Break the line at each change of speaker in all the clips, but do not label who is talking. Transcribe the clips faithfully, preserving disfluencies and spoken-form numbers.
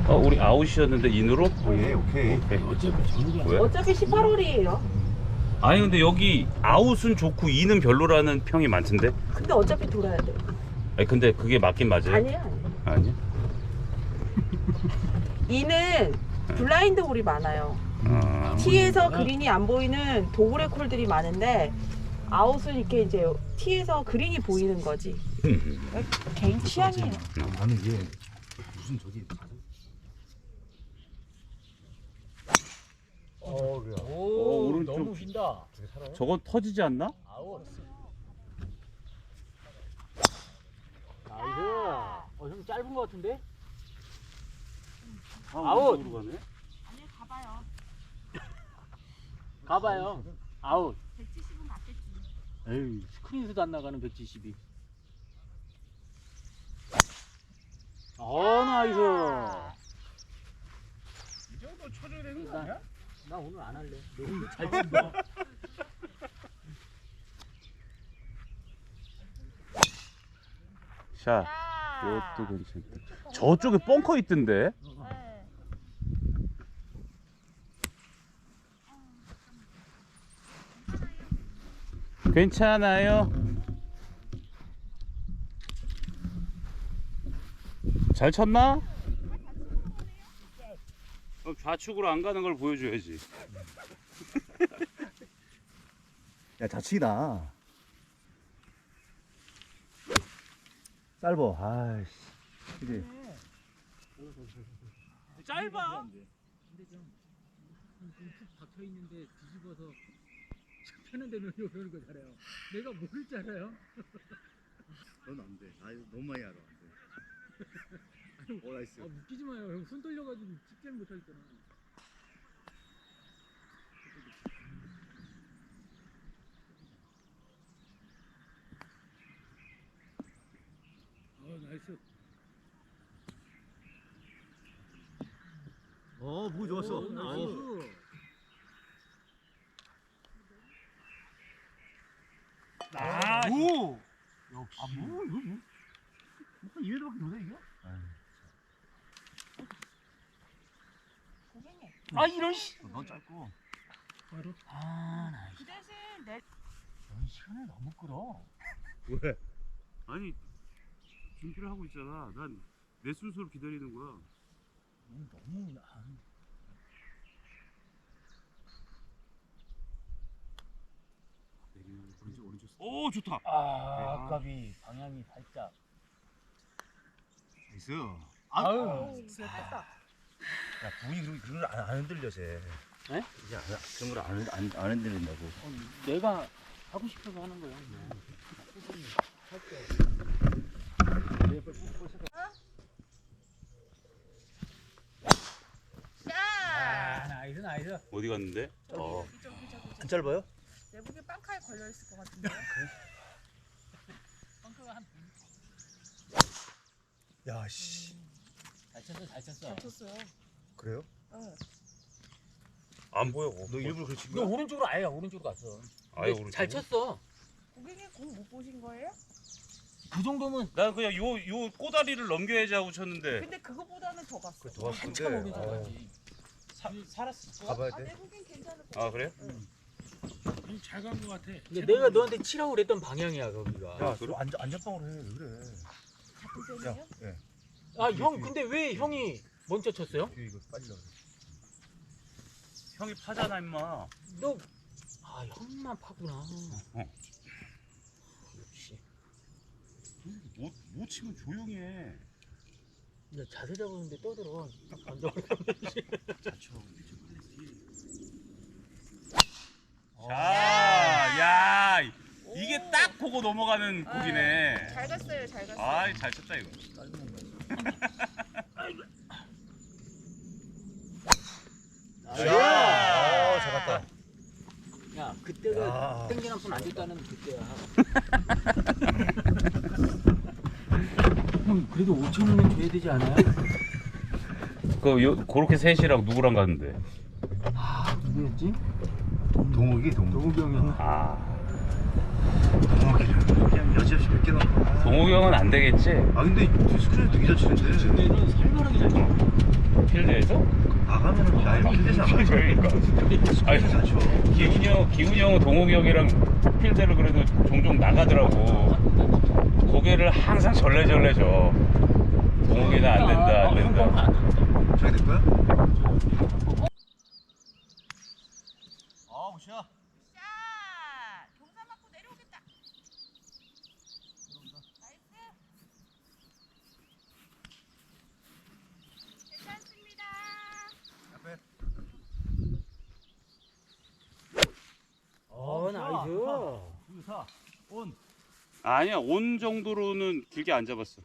어, 우리 아웃이었는데 인으로?
어, 예, 오케이.
오케이.
어차피 전후가
왜?
어차피 십팔 홀이에요.
아니 근데 여기 아웃은 좋고 인은 별로라는 평이 많던데?
근데 어차피 돌아야 돼.
아니 근데 그게 맞긴 맞아요?
아니야, 아니야.
아니야?
이는 블라인드 홀이 많아요.
아,
티에서 그린이 안 보이는 도그렉 홀들이 많은데 아웃은 이렇게 이제 티에서 그린이 보이는 거지. 개인 취향이에요.
나는 이게 무슨 저기 어, 그래.
오,
어, 오른쪽.
너무 휜다.
저게 살아요?
저건 터지지 않나?
아웃. 나이스. 어, 형 짧은 거 같은데?
아,
아웃.
오른쪽으로 가네?
아니 가봐요.
가봐요. 아웃.
백칠십은 맞겠지.
에이, 스크린에서도 안 나가는 백칠십이. 어, 나이스.
이 정도 쳐줘야 되는 거 아니야?
나 오늘 안 할래. 너무 잘 친다.
샷. 이것도 괜찮다. 저쪽에 벙커 있던데? 괜찮아요. 잘 쳤나? 그럼 좌측으로 안 가는 걸 보여줘야지.
야, 자치기다. 짧어. 아이씨. 그지?
짧아.
근데 좀 툭 박혀 있는데 뒤집어서 펴는 데 넣으려고 그러는 거잖아요. 내가 모를 줄 알아요?
넌 안 돼. 아, 너무 많이 알아.
아니,
오, 나이스.
아, 웃기지 마요. 형 손 떨려가지고 찍지를 못하겠잖아. 어, 나이스.
어, 무기 좋았어.
오, 나이스.
아,
오!
역시.
아, 뭐, 이거, 뭐. 한 이 회도밖에 못해, 이게?
고객님.
아, 이런 씨.
넌 짧고.
바로. 아, 나이스.
그 대신 내
넌 시간을 너무 끌어.
왜?
아니 준비를 하고 있잖아. 난 내 순서를 기다리는 거야.
넌 너무 아,
오른쪽, 오른쪽.
오 좋다.
아, 아깝이 방향이 살짝.
나이스.
아유.
됐다.
야, 부인이 그런, 그런 걸 안, 안 흔들려, 쟤.
에?
이제 안, 그런 걸 안, 안, 안 흔들린다고.
어, 내가 하고 싶어서 하는 거야. 아, 나이스 나이스.
어디 갔는데? 어.
이쪽 이쪽 이쪽.
안 짧아요?
내복에 빵카에 걸려 있을 것 같은데.
벙커가 한.
야, 씨.
잘 쳤어 잘 쳤어.
잘 쳤어요.
그래요?
응.
안 보여.
너 일부러 그렇게 친
너
거야?
오른쪽으로 아예 오른쪽으로 갔어.
아예
근데
오른쪽.
잘 쳤어.
고객님 공 못 보신 거예요?
그 정도면
난 그냥 요 요 꼬다리를 넘겨야지 하고 쳤는데.
근데 그거보다는 더 갔어.
그래, 더 왔을
한참
건데.
오른쪽
어,
가지. 살았을 거야.
가봐야
아, 내
돼?
고객 괜찮을 것
아
같아.
그래?
잘간 것 같아.
근데 내가 너한테 치라고 그랬던 방향이야 거기가.
야, 너 안전, 안전빵으로 해. 왜 그래?
같은
야,
편이에요?
예.
아 형 근데 왜 형이 먼저 쳤어요?
뒤에 이거 빠지려고 그래.
형이 파잖아 임마.
너 아 형만 파구나.
어.
역시.
못, 못 치면 조용히 해.
나 자세 잡았는데 떠들어. 안 잡으면 되지.
잘 쳐. 자, 야, 이게
오.
딱 보고 넘어가는 곡이네.
잘 갔어요, 잘 갔어요.
아이, 잘 쳤다 이거.
야, 어, 잡았다.
야 그때가
야.
땡전 한 푼 안 줬다는 그때야. 형 그래도 오천 원은 줘야 되지 않아요?
그 요, 그렇게 셋이랑 누구랑 갔는데?
아 누구였지?
동욱이, 동욱.
동욱이 형이었나?
아,
동욱이를 그냥 여지없이 몇 개 넣은 거야.
동욱이 형은 안 되겠지?
아, 근데 스크린 되게 잘 치는데.
얘는 살벌하게 잘 쳐.
필드에서?
나가면은 야이 필드에서 안 가죠.
그러니까. 아니,
필드에서 안 쳐.
기훈이 형, 기훈이 형은 동욱이 형이랑 필드를 그래도 종종 나가더라고. 고개를 항상 절레절레 줘. 동욱이는 안 된다, 안 된다.
저기 될 거야? 아, 우시야.
샷! 경사 맞고 내려오겠다. 나이스. 괜찮습니다.
앞에.
어 나이스.
유사. 온.
아니야, 온 정도로는 길게 안 잡았어.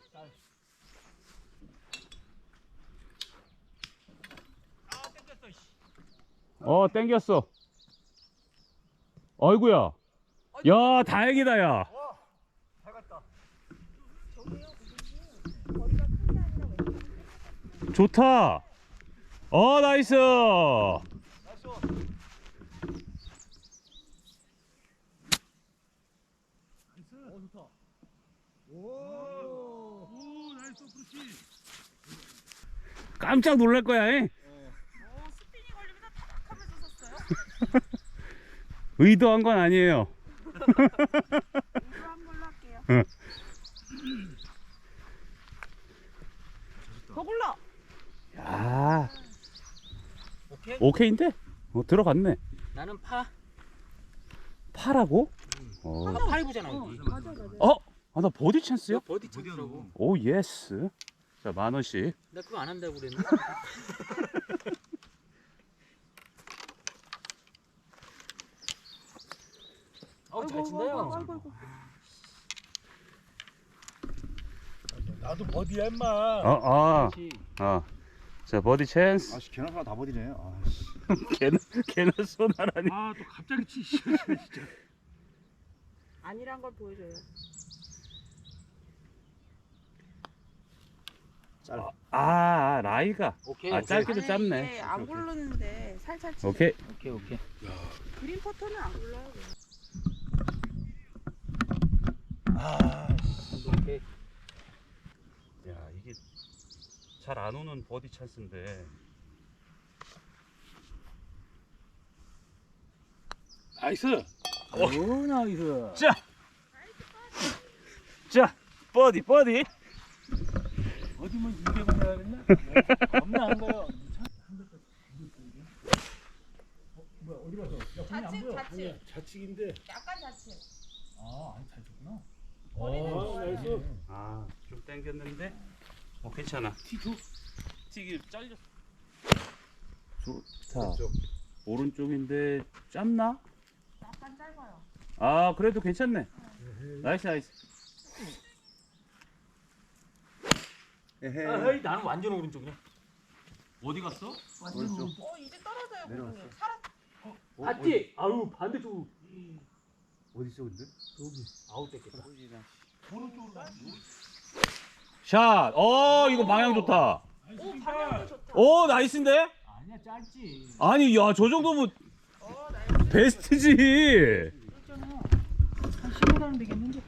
어, 땡겼어. 어이구야. 야, 다행이다, 야.
잘 갔다.
좋다. 어, 나이스.
나이스 온.
어 좋다. 오. 오 나이스 그렇지.
깜짝 놀랄 거야, 잉?
오, 스피닝 걸리면서 타박하면서 섰어요.
의도한 건 아니에요.
의도한 걸로 할게요.
응.
더 골라.
야,
오케이.
오케이인데? 어, 들어갔네.
나는 파.
파라고? 어.
나 파이브잖아 여기.
맞아 맞아.
어? 아, 나 버디 찬스요?
버디 찬스라고.
오, 예스. 자, 만 원씩.
나 그거 안 한다고 그랬나? 어우 잘 친다요.
아이고 아이고.
나도 버디야 임마.
어, 아, 아. 자, 버디 찬스.
아씨, 걔는 하나 다 버리네. 아씨.
걔는, 걔는 손하라니.
아 또 갑자기 치 진짜.
아니란 걸 보여줘요.
짧아.
아, 아, 라이가.
오케이.
아,
오케이.
짧기도
아니,
짧네.
이게 안 굴르는데 살살 치.
오케이.
오케이 오케이.
그린 퍼터는 안 굴러요. 그냥.
아,
오케이.
야, 이게 잘 안 오는 버디 찬스인데.
나이스.
오 나이스.
자, 자, 버디, 버디.
어디면 이백원 해야 되나? 겁나 한 거요. 뭐야 어디 가서? 야 공이 안
좌측
보여.
좌측.
공이 좌측인데.
약간 좌측.
아 아니 잘 쳤구나.
머리는
어
좋아요.
나이스.
아, 좀 당겼는데. 어, 괜찮아.
티투.
튀기 잘렸어. 좋다. 오른쪽인데 짧나?
약간 짧아요.
아, 그래도 괜찮네. 나이스, 나이스.
에헤이.
아이 나는 완전 오른쪽이야.
어디 갔어?
오른쪽.
어 이제 떨어져요
내려왔어.
고객님. 살았.
봤지? 아유 반대쪽.
어디 있어 근데?
여기 아웃 됐겠다.
오른쪽으로 가.
샷. 어, 이거 방향 좋다.
오 방향도 좋다.
오, 나이스인데?
아니야 짧지.
아니, 야, 저 정도면
어 나이스.
베스트지.
한 십오 단 되겠는데?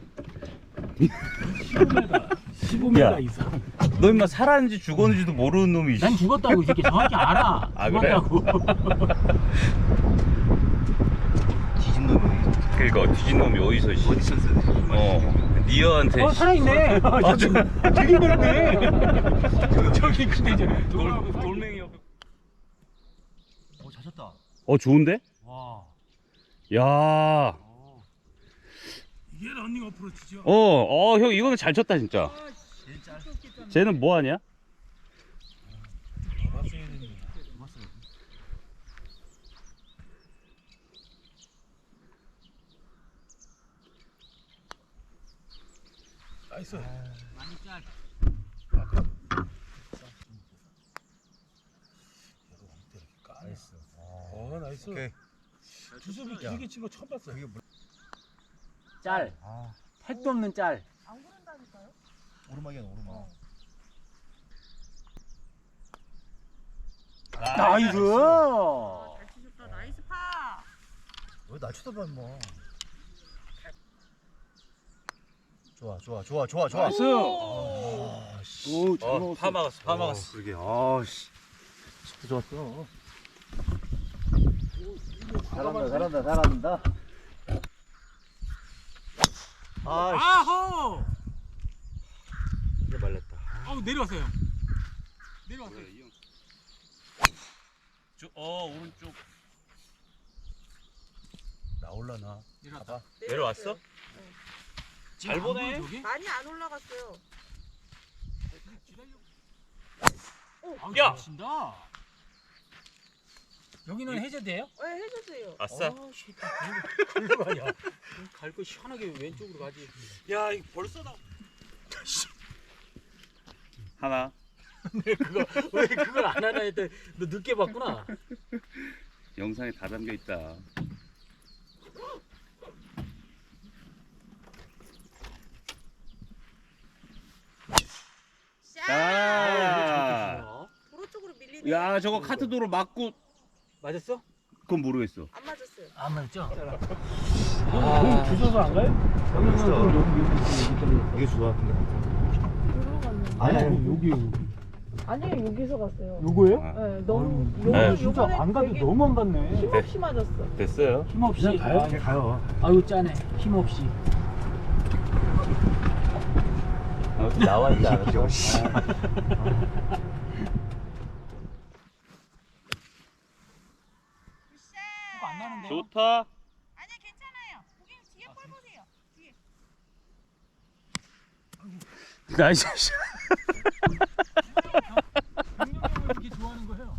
십오 미터
야.
이상.
너 임마 살았는지 죽었는지도 모르는 놈이.
난 죽었다고 이 새끼 정확히 알아.
아, 그래?
죽었다고.
뒤진 놈이.
그러니까 뒤진 놈이 어디서 씨.
버디 찬스.
어, 니어한테.
어 살아있네.
아, 저,
되게 넓네. 저기 근데 이제
돌, 돌멩이 옆에.
오, 잘 쳤다.
어, 좋은데?
와.
야.
이게 러닝 어프로치죠.
어, 어, 형 이거는 잘 쳤다 진짜.
제일 짧.
쟤는 뭐 하냐?
봤어야 되는데. 나이스.
많이 짧.
나이스. 어 나이스.
오케이.
주섭이 길게 친 거 처음 봤어.
그게 뭐?
짤.
아,
택도 없는 짤.
안 구른다니까요.
오르막이야 오르막.
나이스.
아, 잘 치셨다. 나이스 파.
왜날 쳐다봐 임마. 좋아 좋아 좋아 좋아 좋아.
나이스.
아, 씨.
어, 파 막았어, 파 막았어.
그러게. 아, 씨. 좋았어. 잘한다, 잘한다, 잘한다. 아,
아호!
이제 말렸다.
아우 내려왔어요. 내려왔어요.
저, 어 오른쪽 나올라나.
내려왔다.
내려왔어? 잘
안
보네.
보여, 저기?
많이 안 올라갔어요.
아우,
야!
잘 친다. 여기는 해저드예요?
왜 해주세요?
아싸.
아, 씨, 글로 가냐? 갈 거 시원하게 왼쪽으로 가지.
야 이거 벌써 나. 하나.
왜 그거 왜 그걸 안 하나 했더니 너 늦게 봤구나.
영상에 다 담겨 있다. 자.
도로 쪽으로 밀리네.
야 저거 카트도로 맞고
맞았어?
그건 모르겠어.
안 맞았어요.
안 맞죠?
아, 주소서 안 가요?
여기 있어.
여기 여기
이게 좋아.
도로 갔는데.
아니, 아니,
여기 여기.
아니에요, 여기서 갔어요.
요거예요?
네, 너무
아유,
요,
네.
진짜
요번에
안 가도
되게
너무 안 갔네.
힘없이 맞았어.
됐어요.
힘없이.
그냥 가요?
아,
그냥 가요.
아유 짜네. 힘없이.
나와 있지 않았죠?
이거 안 나는데.
좋다.
아니 괜찮아요. 거기 뒤에 볼 보세요. 뒤에.
나이스.
강력형을 이렇게 좋아하는 거예요.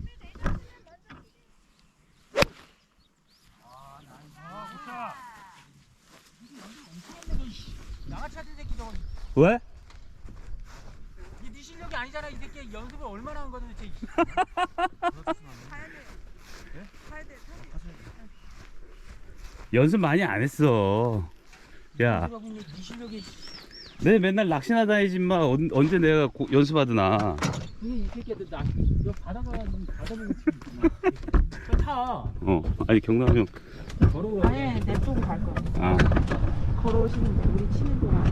아, 나이스. 아, 좋다. 이게 연습 엄청 했네, 너, 이씨. 양아치 같은 새끼 저거.
왜?
이게 네 실력이 아니잖아, 이 새끼. 연습을 얼마나 한 거야, 도대체.
가야 돼요. 가야 돼요.
연습 많이 안 했어. 야,
연습하고 있는 네 실력이.
내 맨날 낚시나 다니지 마. 언, 언제 내가 고, 연습하드나.
이게 이 새끼들 나, 너 바다가가지고 바다보고 치고 저 타.
어, 아니 경남 형.
걸어가.
아니 내 쪽으로 갈 거야.
아,
걸어오시는데 우리 치는 동안.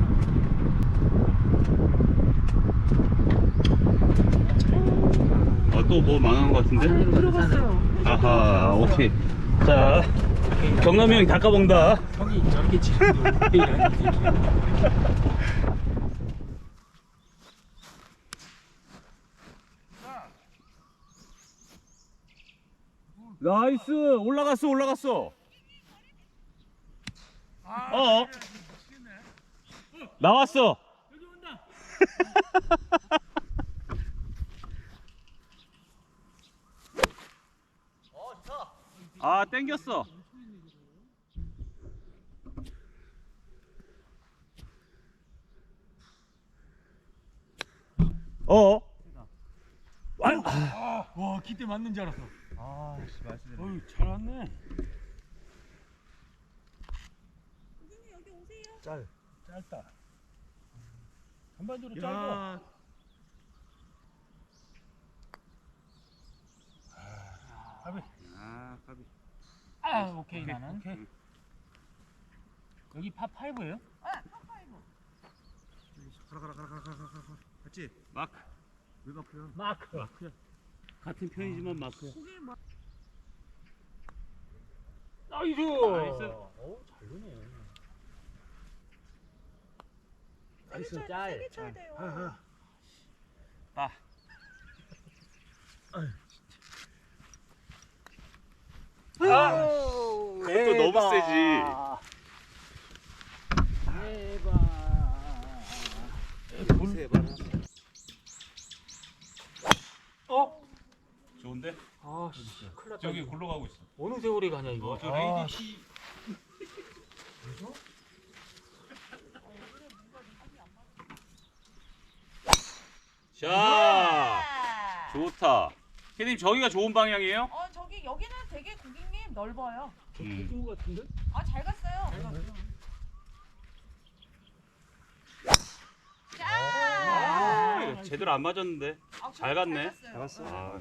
어, 또 뭐 망한 것 같은데?
들어갔어요.
아하, 오케이. 자, 경남이 형이 닦아본다.
형이 저렇게 치는데 어떻게 이러냐, 이 새끼야.
나이스, 올라갔어, 올라갔어. 어, 나왔어.
여기 온다.
아, 땡겼어. 어?
와, 기대 맞는 줄 알았어.
아, 씨, 말씀드려.
어유 잘 왔네.
짤.
짧다. 전반적으로
야.
짧아. 가비.
아, 까비.
아, 오케이,
오케이,
나는.
오케이.
여기 파 파이브예요?
아, 파파이브.
가라, 가라, 가라, 가라, 가라, 가라. 맞지?
마크.
왜 마크야?
마크.
같은 편이지만 마크야.
거기 뭐
나이스.
나이스.
오, 잘 노네.
나이스
나이스,
짤.
짤.
세게 쳐야 돼요.
아.
아우,
그것도 너무 세지.
대박.
세 번.
어?
좋은데?
아, 씨, 큰일 났다.
저기
이거.
굴러가고 있어.
어느 세월이 가냐 이거.
어, 저
아,
레이디
씨.
자,
아.
좋다. 캐님 저기가 좋은 방향이에요?
어 저기 여기는 되게 고객님 넓어요.
음.
좋은 거 같은데?
아 잘 갔어요. 자.
아, 이거 제대로 안 맞았는데.
아,
잘 갔네.
갔어요.
나갔어.
아,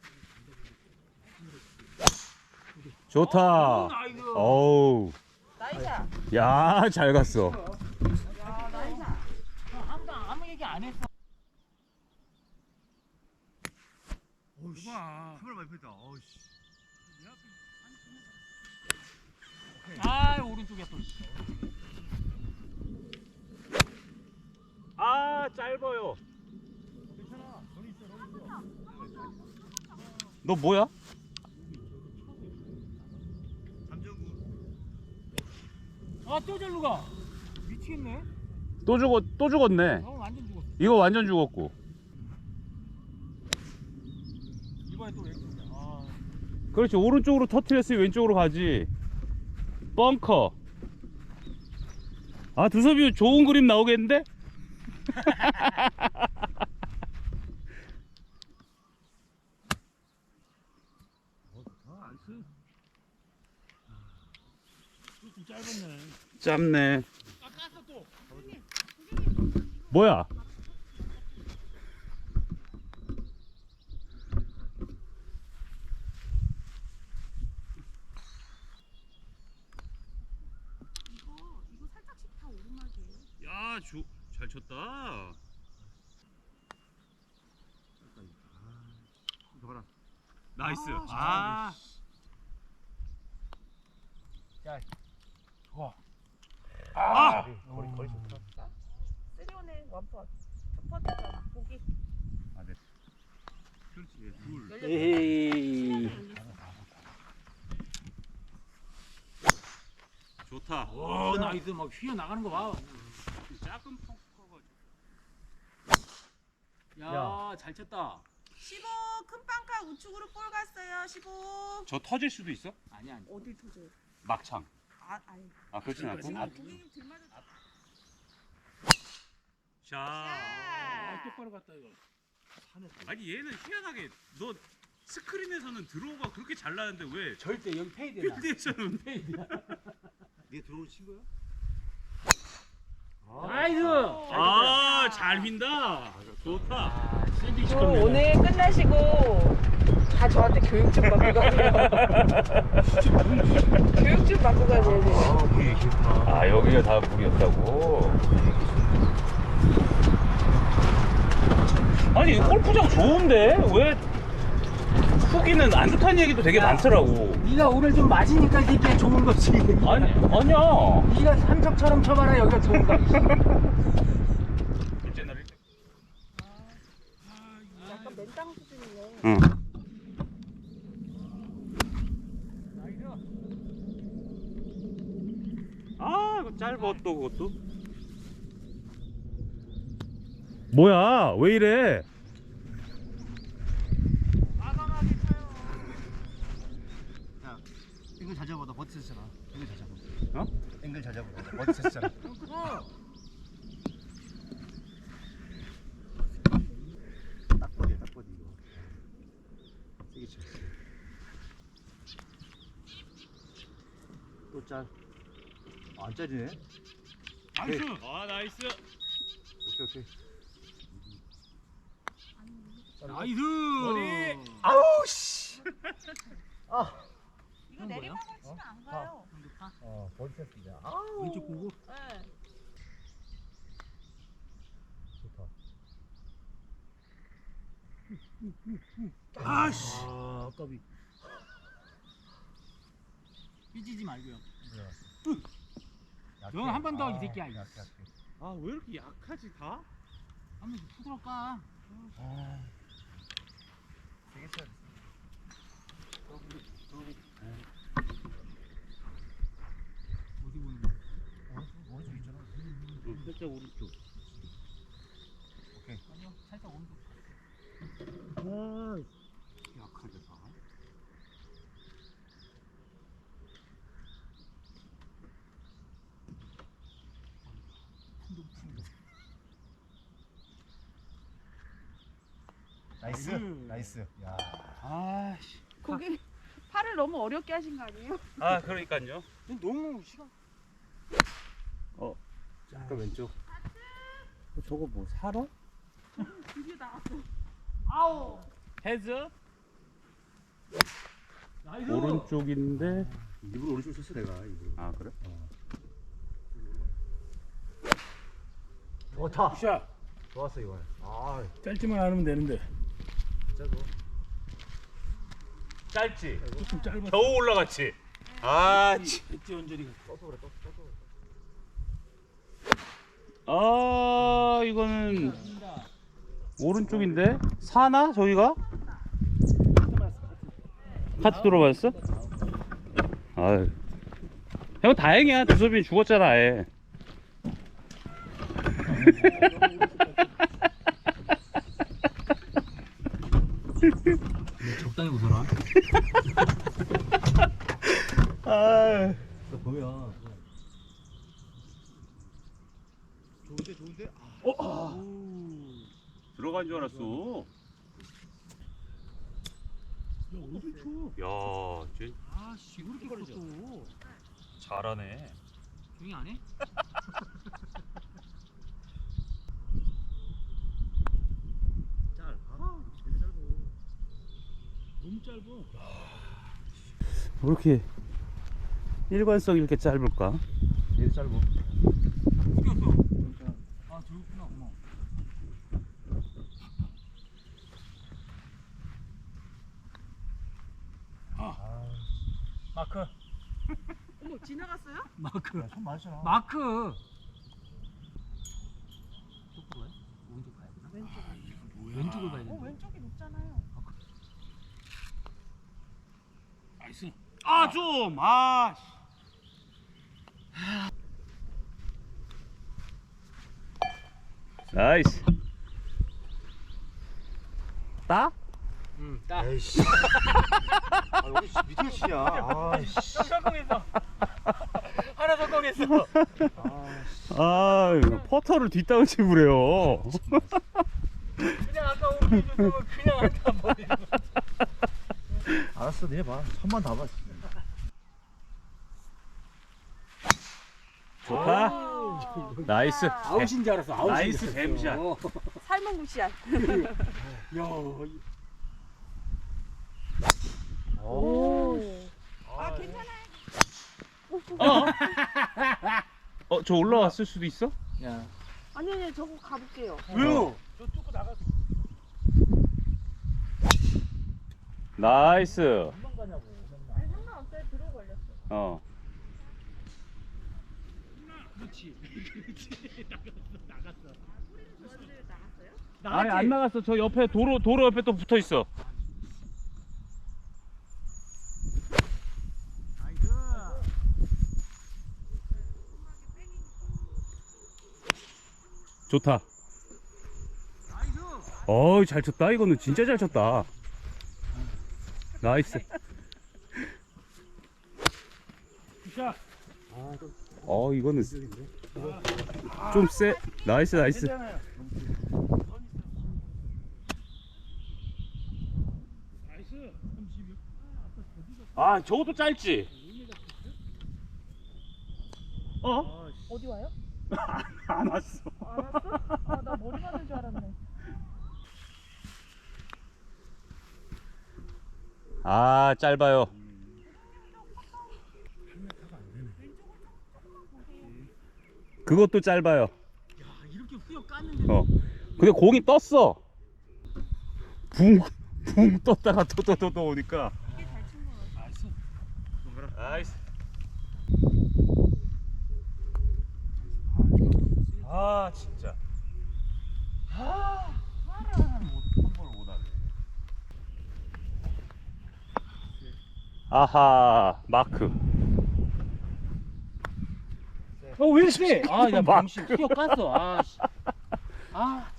좋다.
나이스.
어우,
나이샤.
야, 잘 갔어.
야 나이샤.
항상 아무 얘기 안 했어.
오씨. 봐. 카메라 많이 폈다. 어우씨.
아 오른쪽에 또.
아 짧아요.
괜찮아. 너 있어, 너 있어.
너 뭐야?
잠정구.
아또 절로 가. 미치겠네.
또 죽었 또 죽었네.
어 완전 죽었어.
이거 완전 죽었고.
이번에 또 왼쪽이야. 아.
그렇지, 오른쪽으로 터트렸으니 왼쪽으로 가지. 벙커. 아 두섭이 좋은 그림 나오겠는데?
좀 짧았네.
짧네.
아 깠어 또.
뭐야?
이거 이거 살짝씩 다 오르막이에요.
야, 조, 잘 쳤다.
이거 봐라.
나이스.
아,
아,
좋아.
아,
거리 거리 좋다.
쓰리온에 원퍼 첫 번째잖아. 보기.
그렇지. 예, 둘.
열렸어.
에이.
좋다.
오 나이스 막 휘어 나가는 거 봐.
작은 펑커가.
야 잘 쳤다.
십오 큰 빵카 우측으로 볼 갔어요. 십오.
저 터질 수도 있어?
아니 아니.
어디 터져요?
막창.
아 아니.
아 그렇진 않고.
지금 고객님 들맞은.
자.
아 똑바로 갔다 이거.
아니 얘는 희한하게 너 스크린에서는 드로우가 그렇게 잘 나는데 왜
절대 여기 페이드야.
필드에서는
페이드야.
얘 들어오는 친구야?
나이스.
아, 잘 휜다. 좋다.
아, 샌드위치
저
컵네.
오늘 끝나시고 다 저한테 교육 좀 받고 가세요. 교육 좀 받고 가셔야 돼요.
아, 그게 싫다.
아 여기가 다 물이었다고. 아니 골프장 좋은데 왜 후기는 안 좋다는 얘기도 되게 많더라고.
네가 오늘 좀 맞으니까 이게 좋은 거지.
아니 아니야.
네가 삼척처럼 쳐봐라 여기가 좋은 거.
둘째 날 일찍.
약간 맨땅 수준이네.
응. 아 이거 짧아 또 그것도. 뭐야 왜 이래?
과감하게 쳐요.
야, 앵글 잘 잡아. 나 버티셨잖아. 앵글 잘 잡아.
어?
앵글 잘 잡아. 나 버티셨잖아. 딱 버디, 딱 버디 이거. 세게 쳐. 또 짤. 아, 안 짜지네.
나이스. 아, 나이스.
오케이, 오케이.
나이스.
머리.
아우 씨. 아.
이거 내리막을 치면 안 가요.
어, 버디 쳤습니다. 아,
왼쪽 보고.
네.
좋다.
아씨. 아 아까비. 삐지지 말고요. 넌 한 번 더 이 새끼야.
약해, 약해.
아, 왜 이렇게 약하지 다?
한번 푸드러 까.
아. 세게 쳐야 돼.
어디 보는 거?
오른쪽 있잖아.
살짝 오른쪽.
오케이.
아니요 살짝 오른쪽.
아, 약하게 다.
나이스.
음.
나이스. 야.
아씨.
고객 팔을 너무 어렵게 하신 거 아니에요?
아 그러니까요.
너무 시간.
약간 왼쪽.
저거 뭐 사러?
드디어 나왔어.
아우.
헤즈?
나이스.
오른쪽인데.
일부러 오른쪽 쳤어 내가 일부러.
아 그래?
좋다.
샷.
좋았어 이거. 아,
짧지만 않으면 되는데.
진짜 뭐.
짧지?
조금 짧아.
겨우 올라갔지? 아, 치.
엣지 언저리가.
아, 이거는 오른쪽인데? 사나? 저기가? 카트 들어봤어? 아유. 형 다행이야. 두섭이 죽었잖아, 아예.
적당히 웃어라.
아.
보면 좋은데 좋은데. 아.
들어간 줄 알았어.
야 어딜 쳐?
야, 쟤
아씨 왜 이렇게 커 또.
잘하네.
조용히 안 해?
짤. 아, 제일 짧아.
너무 짧아.
왜 이렇게 일관성이 이렇게 짧을까?
제일 짧아.
웃겼어. 아 저기구나 어머.
마크.
어머 지나갔어요?
마크.
야, 손 많잖아.
마크.
쪽으로 가요? 오른쪽 가야 되나?
왼쪽.
왼쪽을 봐야
어
돼.
왼쪽이 높잖아요.
나이스.
아, 좀. 아. 나이스. 따?
응. 딱.
에이씨. 아, 여기 밑에 치냐. 아, 씨.
형 성공했어. 하나 성공했어.
아, 씨.
아, 퍼터를 뒷땅을 치고 그래요.
그냥 아까 오른쪽 줬으면 그냥 한다 버리는 거.
알았어, 내 봐. 손만 다 봐.
좋다. 나이스.
아웃인 줄 알았어. 아웃인
나이스
줄 알았어.
뱀샷.
어.
삶은 굿이야.
야.
오. 아 괜찮아요.
어? 어, 저 올라왔을 수도 있어?
야.
아니 아니 저거 가볼게요.
왜요? 저 뚫고 나가.
나이스.
금방 가냐고.
아니 상관없어요. 들어 걸렸어.
어.
그렇지. 그렇지. 나갔어. 나갔어.
저한테 나갔어요?
아니, 안 나갔어. 저 옆에 도로 도로 옆에 또 붙어 있어. 좋다. 어이, 잘 쳤다. 이거는 진짜 잘 쳤다. 나이스.
샷.
어, 이거는 좀 세. 나이스, 나이스.
괜찮아요. 나이스. 삼십육.
아, 저것도 짧지. 어?
어디 와요?
안 왔어.
알았어? 아 나 머리 맞는 줄 알았네.
아, 짧아요. 그것도 짧아요.
야 이렇게 후려 깠는데.
어. 근데 공이 떴어. 붕, 붕 떴다가 또 또 또 또 오니까.
이게 잘 친 거 같아.
나이스.
나이스. 아, 진짜. 아, 한번을 못하네. 아하, 마크.
어, 왜 이래? 아, 야,
막-
망신 후려 깠어. 아, 씨. 아,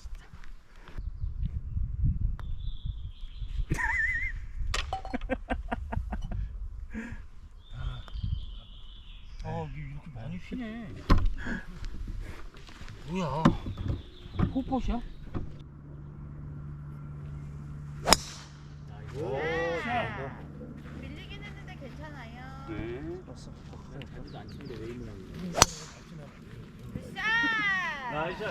아, 이게 이렇게 많이 휘네. 뭐야? 포포샷?
밀리긴 했는데 괜찮아요.
네.
안 치는데 왜 있는
샷!
나이스.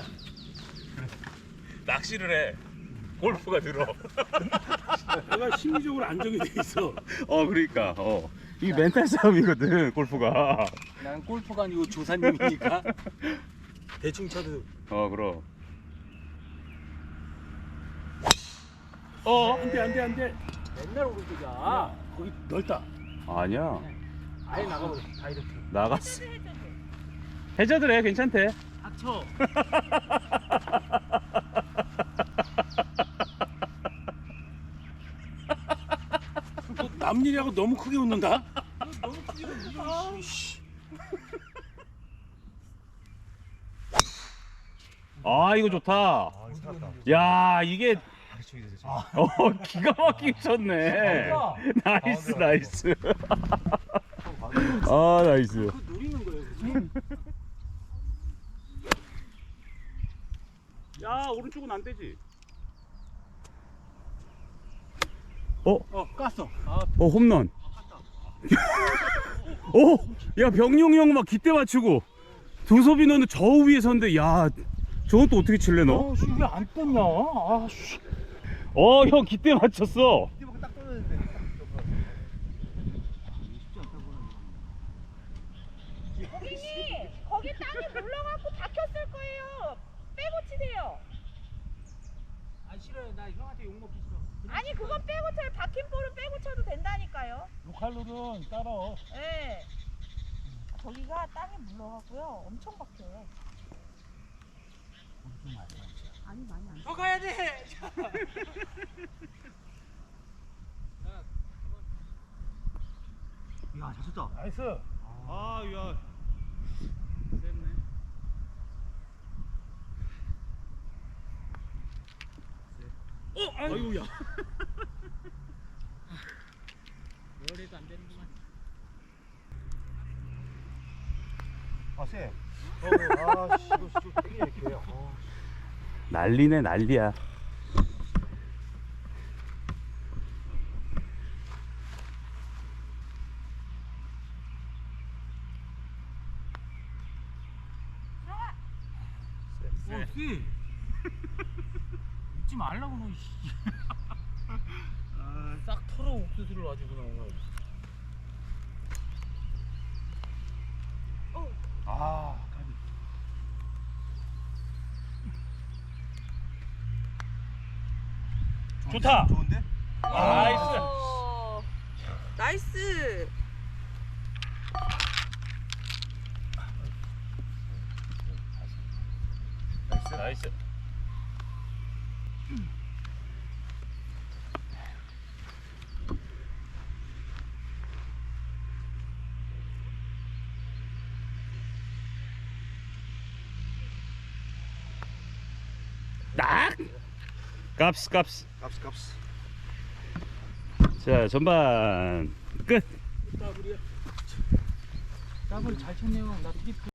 낚시를 해. 골프가 들어.
내가 심리적으로 안정이 돼 있어.
어, 그러니까. 어. 이게 멘탈 싸움이거든, 골프가.
난 골프가 아니고 조사님이니까 대충 쳐도.
어, 그럼. 어?
안돼 안돼 안돼. 맨날 오른쪽이야. 거기 넓다.
아니야.
아예 나가버려. 다 이렇게.
나갔어. 해저드래 괜찮대.
닥쳐. 너 남일이하고 너무 크게 웃는다.
아 이거 좋다.
아, 살았다.
야 이게
아, 저기 저기.
어 기가 막히게 쳤네. 나이스 나이스. 아 나이스.
그 노리는 거예요, 그지?
야 오른쪽은 안 되지.
어, 깠어. 아,
어 홈런. 어, 야 병용 형 막 기대 맞추고 두섭이 너는 저 위에 선데 야 저건 또 어떻게 칠래 너?
어, 씨, 왜안 떴냐? 아, 씨.
어 형 기대 맞췄어.
이때만 딱 떨어졌는데.
고객님, 거기 땅이 물러갖고 박혔을 거예요. 빼고 치세요.
아 싫어요. 나 형한테 욕 먹기 싫어. 그냥
아니 그건 빼고 쳐요. 박힌 볼은 빼고 쳐도 된다니까요.
로컬로는 따라.
예. 저기가 땅이 물러가고요. 엄청 박혀요. 아니 많이 안.
더 가야 돼.
야, 잘 쳤다.
나이스.
아, 야. 셌네. 어, 아유, 야.
뭘 해도 안 되는구만.
아, 쎄. 어, 아, 씨, 이거 진짜 되게 이렇게. 어.
난리네 난리야.
어, 씨. 웃지 말라고 너. 씨. 싹 털어 옥수수를 가지고 나온 거야.
아, 가비. 좋다.
좋은데?
나이스.
어, 나이스.
나이스.
나이스. 딱. 값스 값스.
값스, 값스.
자 전반 끝.
더블 잘 쳤네요. 나 트리플.